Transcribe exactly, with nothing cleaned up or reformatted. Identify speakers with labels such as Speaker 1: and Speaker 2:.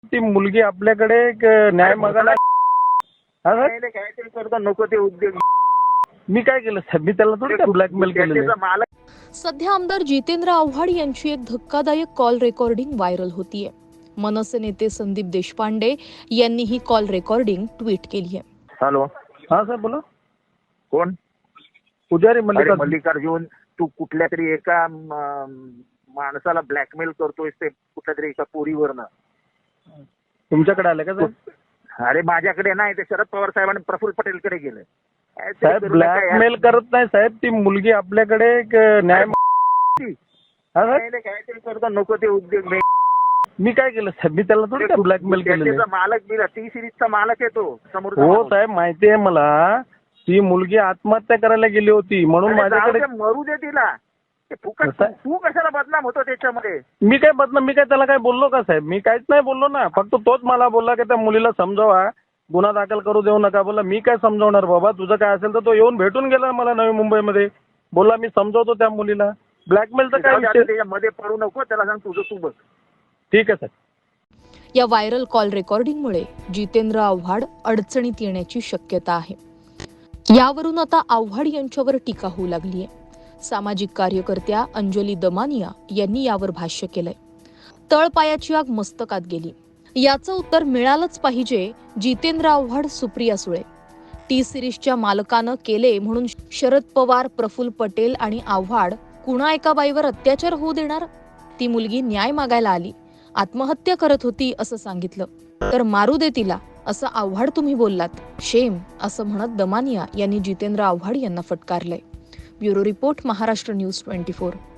Speaker 1: ती मुलगी आपल्याकडे एक न्याय मागायला हा सर
Speaker 2: नाही, काहीतरी करतो नको ते उद्योग.
Speaker 1: मी काय केलं साहेब? मी त्याला थोडी ब्लॅकमेल केलेलं
Speaker 2: त्याचा
Speaker 1: आहे.
Speaker 2: मालक
Speaker 3: सध्या आमदार जितेंद्र आव्हाड यांची एक धक्कादायक कॉल रेकॉर्डिंग व्हायरल होतीये. मनसे नेते संदीप देशपांडे यांनी ही कॉल रेकॉर्डिंग ट्विट केली आहे.
Speaker 2: हॅलो,
Speaker 1: हा सर बोला.
Speaker 2: कोण?
Speaker 1: पुजारी
Speaker 2: अरे
Speaker 1: मल्लिकार्जुन.
Speaker 2: मल्लिकार्जुन, तू कुठल्या तरी एका म, माणसाला ब्लॅकमेल करतोय ते कुठल्या तरी एका पोरीवरनं.
Speaker 1: तुमच्याकडे आले का साहेब?
Speaker 2: अरे माझ्याकडे नाही, ते शरद पवार साहेबांनी प्रफुल्ल पटेलकडे गेलं. काहीतरी
Speaker 1: साहेब
Speaker 2: करू नका यार.
Speaker 1: ब्लॅकमेल करत नाही साहेब. ती मुलगी आपल्याकडे एक न्याय मा- हा सर
Speaker 2: नाही, नाही, काहीतरी करतो नको ते उद्योग.
Speaker 1: मी काय केलं साहेब? मी त्याला थोडी ब्लॅकमेल केलेलं
Speaker 2: त्याचा
Speaker 1: आहे.
Speaker 2: मालक बिला टी सिरीजचा मालक आहे तो समोर.
Speaker 1: हो साहेब माहिती आहे मला. ती मुलगी आत्महत्या करायला गेली होती म्हणून माझ्याकडे.
Speaker 2: मरू दे तिला. ते फुकट
Speaker 1: कसं?
Speaker 2: तू कशाला बदनाम होतो त्याच्यामध्ये?
Speaker 1: मी काय बदनाम मी काय त्याला काय बोललो का साहेब? मी काहीच नाही बोललो ना. फक्त तोच मला बोलला की त्या मुलीला समजावा, गुन्हा दाखल करू देऊ नका. बोला मी काय समजवणार बाबा, तुझं काय असेल तर. तो येऊन भेटून गेला मला नवी मुंबईमध्ये. बोला मी समजवतो त्या मुलीला. ब्लॅकमेलचा काय विषय?
Speaker 2: त्याच्यामध्ये पडू नको, त्याला सांग तुझं तू बघ.
Speaker 1: ठीक आहे साहेब.
Speaker 3: या व्हायरल कॉल रेकॉर्डिंगमुळे जितेंद्र आव्हाड अडचणीत येण्याची शक्यता आहे. यावरून आता आव्हाड यांच्यावर टीका होऊ लागली आहे. सामाजिक कार्यकर्त्या अंजली दमानिया यांनी यावर भाष्य केलंय. तळपायाची आग मस्तकात गेली. याचं उत्तर मिळालंच पाहिजे जितेंद्र आव्हाड, सुप्रिया सुळे. टी सिरीजच्या मालकानं केले म्हणून शरद पवार, प्रफुल्ल पटेल आणि आव्हाड कुणा एका बाईवर अत्याचार होऊ देणार? ती मुलगी न्याय मागायला आली, आत्महत्या करत होती असं सांगितलं, तर मारू दे तिला असं आव्हाड तुम्ही बोललात. शेम असं म्हणत दमानिया यांनी जितेंद्र आव्हाड यांना फटकारलंय. Bureau report, Maharashtra news twenty four.